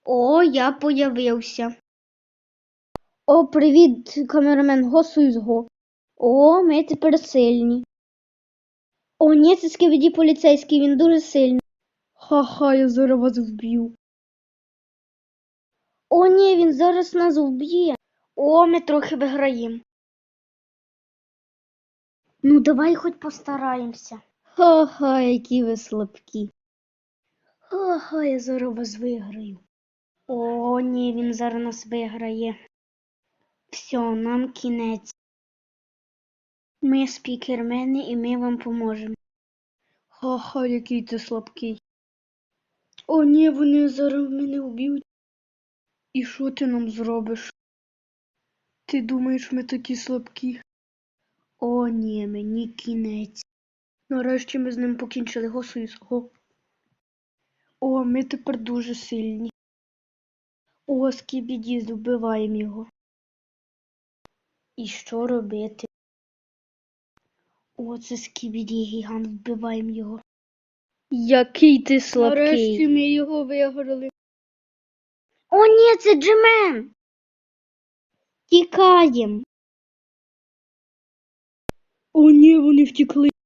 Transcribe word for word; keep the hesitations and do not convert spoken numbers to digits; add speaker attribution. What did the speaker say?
Speaker 1: О, я появився. О, привіт, камерамен, госуй з го. О, ми тепер сильні. О, ні, це Скібіді поліцейський, він дуже сильний. Ха-ха, я зараз вас вб'ю. О, ні, він зараз нас вб'є. О, ми трохи виграємо. Ну, давай хоч постараємося. Ха-ха, які ви слабкі. Ха-ха, я зараз вас виграю. О, ні, він зараз нас виграє. Все, нам кінець. Ми спікермени і ми вам поможемо. Ха-ха, який ти слабкий. О, ні, вони зараз мене вб'ють. І що ти нам зробиш? Ти думаєш, ми такі слабкі? О, ні, мені кінець. Нарешті ми з ним покінчили. Го, Союз, го. О, ми тепер дуже сильні. О, Скібіді, вбиваємо його. І що робити? О, це Скібіді гігант, вбиваємо його. Який ти слабкий. Нарешті ми його виграли. О, ні, це Джемен. Тікаєм. О, ні, вони втекли.